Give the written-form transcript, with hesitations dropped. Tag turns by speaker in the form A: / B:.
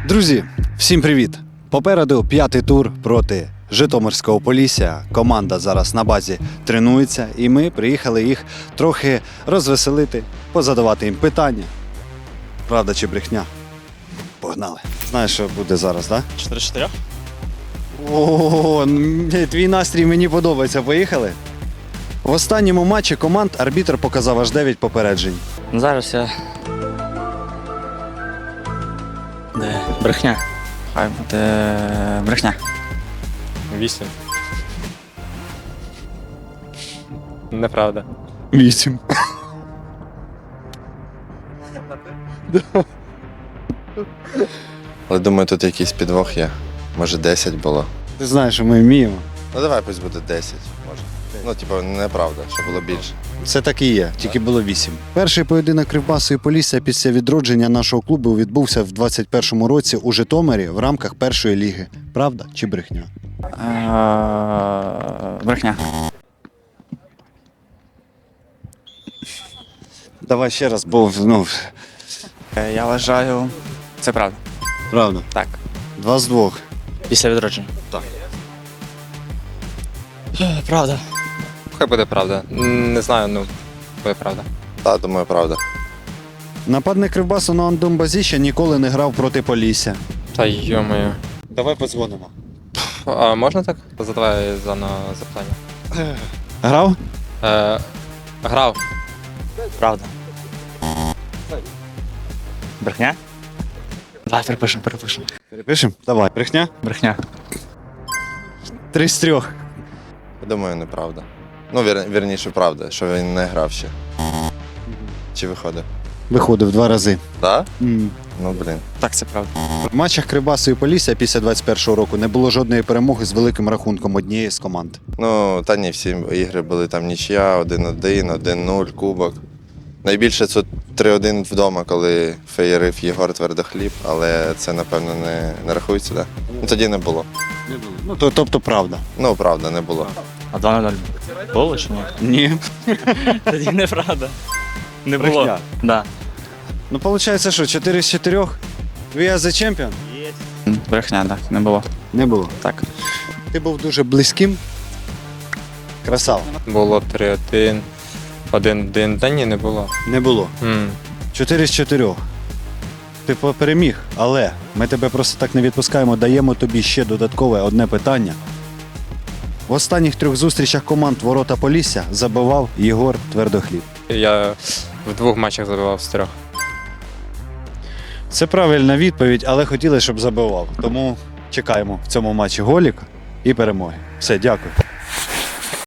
A: Друзі, всім привіт! Попереду 5-й тур проти Житомирського Полісся. Команда зараз на базі тренується, і ми приїхали їх трохи розвеселити, позадавати їм питання. Правда чи брехня? Погнали. Знаєш, що буде зараз, так?
B: 4-4?
A: О, твій настрій мені подобається. Поїхали? В останньому матчі команд арбітр показав аж 9 попереджень.
B: Зараз я. Де? Брехня. Хай буде брехня.
C: 8. Неправда.
A: 8.
D: Але думаю, тут якийсь підвох є. Може 10 було.
A: Ти знаєш, що ми вміємо.
D: Ну давай пусть буде 10, може. Ну, типу, неправда, що було більше.
A: Це так і є, тільки було 8. Перший поєдинок Кривбасу і Полісся після відродження нашого клубу відбувся в 21-му році у Житомирі в рамках першої ліги. Правда чи брехня?
B: Брехня.
A: Давай ще раз, бо
B: Я вважаю, це правда.
A: правда.
B: Так.
A: 2 з 2.
B: Після відродження.
A: Так.
B: Правда.
C: Хай буде правда. Не знаю, ну, буде правда.
D: Так, думаю, правда.
A: Нападник Кривбасу на Андомбазі ніколи не грав проти Полісся.
C: Та йо-моє.
A: Давай подзвонимо.
C: А можна так? Задавай запитання.
A: Грав?
C: Грав.
B: Правда. Брехня? Давай перепишемо.
A: Перепишемо? Давай. Брехня?
B: Брехня.
A: 3 з 3.
D: Я думаю, неправда. Ну, вірніше, правда, що він не грав ще. Чи виходив?
A: Виходив 2 рази.
D: Так? Ну, блін.
B: Так, це правда.
A: В матчах Кривбасу і Полісся після 21-го року не було жодної перемоги з великим рахунком однієї з команд.
D: Ну, та ні, всі ігри були там нічия, 1-1, 1-0, кубок. Найбільше це 3-1 вдома, коли феєрив Єгор Твердохліб, але це, напевно, не рахується, так? Ну, тоді не було.
A: Ну, тобто правда.
D: Ну, правда, не було.
B: А 2-0 було чи ні?
A: Ні.
B: Тоді неправда. Не
A: Брехня.
B: було. Да.
A: Ну, виходить, що 4 з 4? We are the champion?
B: Брехня, так, не було.
A: Не було.
B: Так.
A: Ти був дуже близьким. Красава.
C: Було 3-1. 1-1. Та ні, не було.
A: Не було. 4 з 4. Ти переміг, але ми тебе просто так не відпускаємо, даємо тобі ще додаткове одне питання. В останніх 3 зустрічах команд Ворота Полісся забивав Єгор Твердохліб.
C: Я в 2 матчах забивав з 3.
A: Це правильна відповідь, але хотіли, щоб забивав. Тому чекаємо в цьому матчі голіка і перемоги. Все, дякую.